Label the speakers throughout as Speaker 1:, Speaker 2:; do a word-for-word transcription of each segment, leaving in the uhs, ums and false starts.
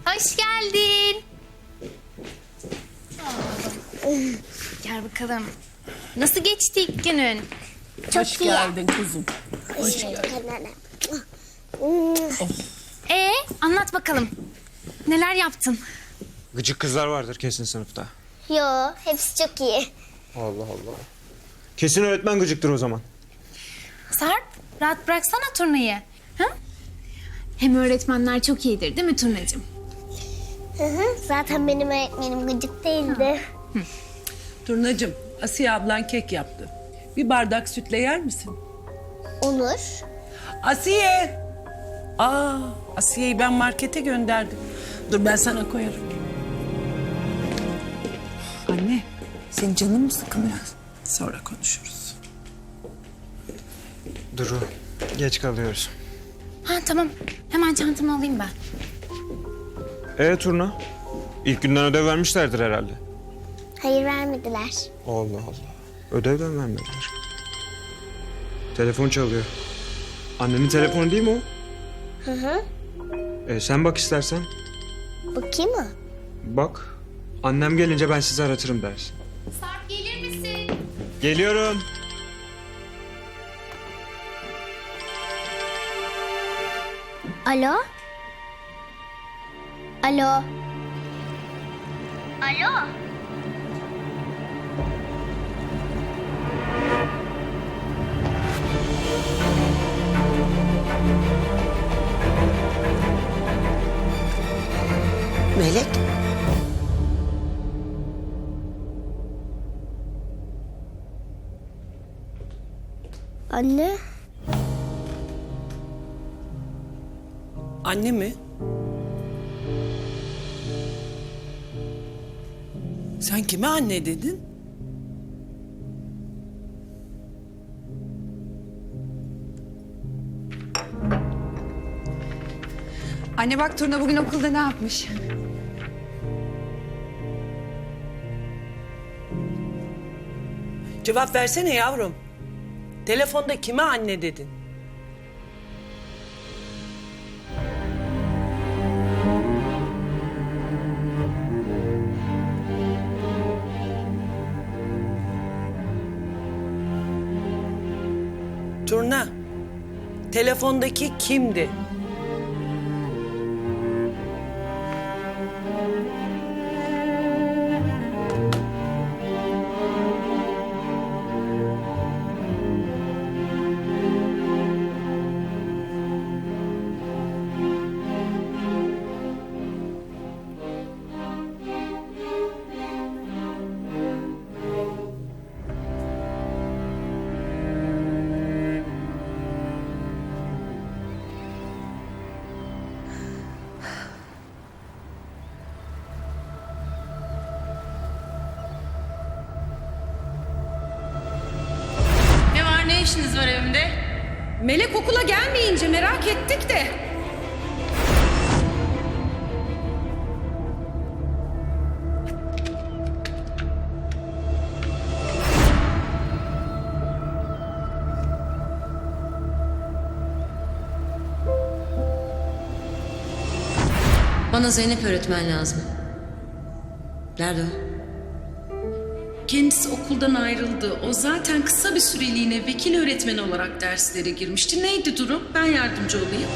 Speaker 1: Hoş geldin. Gel bakalım. Nasıl geçti ilk günün?
Speaker 2: Çok
Speaker 3: Hoş
Speaker 2: iyi.
Speaker 3: geldin kuzum.
Speaker 2: Hoş geldin.
Speaker 1: Ee, anlat bakalım. Neler yaptın?
Speaker 4: Gıcık kızlar vardır kesin sınıfta.
Speaker 2: Yo, hepsi çok iyi.
Speaker 4: Allah Allah. Kesin öğretmen gıcıktır o zaman.
Speaker 1: Sarp, rahat bıraksana turnayı. Ha? Hem öğretmenler çok iyidir değil mi turnacığım?
Speaker 2: Hı hı. Zaten benim öğretmenim gıcık değildi.
Speaker 3: Turnacığım, Asiye ablan kek yaptı. Bir bardak sütle yer misin?
Speaker 2: Olur.
Speaker 3: Asiye! Aa, Asiye'yi ben markete gönderdim. Dur ben sana koyarım. Anne, senin canın mı sıkılıyor? Sonra konuşuruz.
Speaker 4: Duru, geç kalıyoruz.
Speaker 1: Ha tamam. Hemen çantamı alayım ben.
Speaker 4: Ee Turna? İlk günden ödev vermişlerdir herhalde.
Speaker 2: Hayır, vermediler.
Speaker 4: Allah Allah. Ödevden vermediler. Telefon çalıyor. Annenin telefonu değil mi o?
Speaker 2: Hı hı.
Speaker 4: Ee, sen bak istersen.
Speaker 2: Bakayım mı?
Speaker 4: Bak. Annem gelince ben sizi aratırım dersin.
Speaker 1: Sarp gelir misin?
Speaker 4: Geliyorum.
Speaker 2: Alo? Alo? Alo?
Speaker 5: Melek,
Speaker 2: Anne?
Speaker 3: Anne mi? Sen kime anne dedin?
Speaker 6: Anne bak Turna bugün okulda ne yapmış?
Speaker 3: Cevap versene yavrum. Telefonda kime anne dedin? Turna, telefondaki kimdi?
Speaker 7: Ne var, ne işiniz var evimde?
Speaker 6: Melek okula gelmeyince merak ettik de.
Speaker 5: bana Zeynep öğretmen lazım. Nerede o?
Speaker 7: Kendisi okuldan ayrıldı. O zaten kısa bir süreliğine vekil öğretmen olarak derslere girmişti. Neydi durum? Ben yardımcı olayım.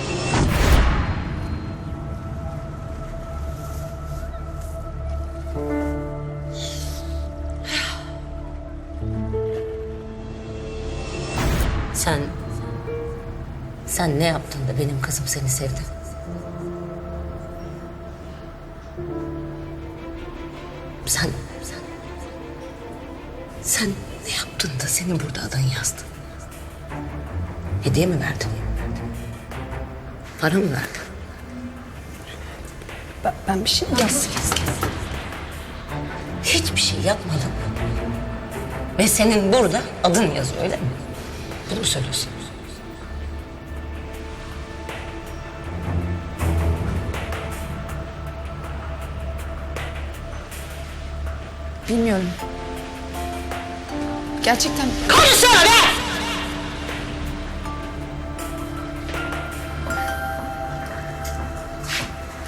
Speaker 5: Sen... Sen ne yaptın da benim kızım seni sevdi? Sen... Sen... Sen ne yaptın da seni burada adın yazdı? Hediye mi verdin? Para mı verdin?
Speaker 6: Ben, ben bir şey mi yaptım?
Speaker 5: Hiçbir şey yapmadın. Ve senin burada adın yazıyor öyle mi? Bunu mu söylüyorsun?
Speaker 6: Bilmiyorum. Gerçekten...
Speaker 5: Konuşsana be!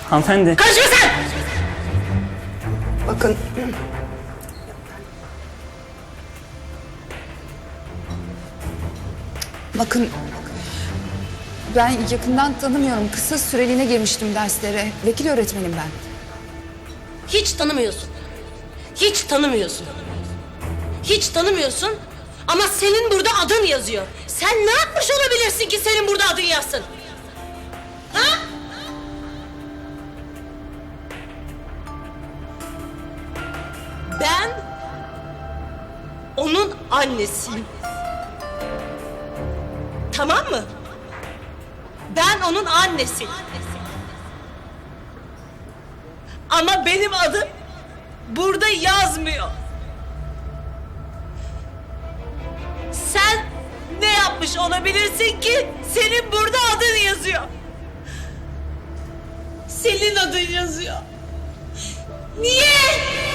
Speaker 8: Hanımefendi.
Speaker 5: Karışma sen!
Speaker 8: Bakın.
Speaker 9: Bakın, ben yakından tanımıyorum. Kısa süreliğine girmiştim derslere. Vekil öğretmenim ben.
Speaker 5: Hiç tanımıyorsun. Hiç tanımıyorsun. Hiç tanımıyorsun ama senin burada adın yazıyor. Sen ne yapmış olabilirsin ki senin burada adın yazsın? Ha? Ben onun annesiyim. Tamam mı? Ben onun annesiyim. Ama benim adım burada yazmıyor. Sen ne yapmış olabilirsin ki senin burada adın yazıyor? Senin adın yazıyor. Niye?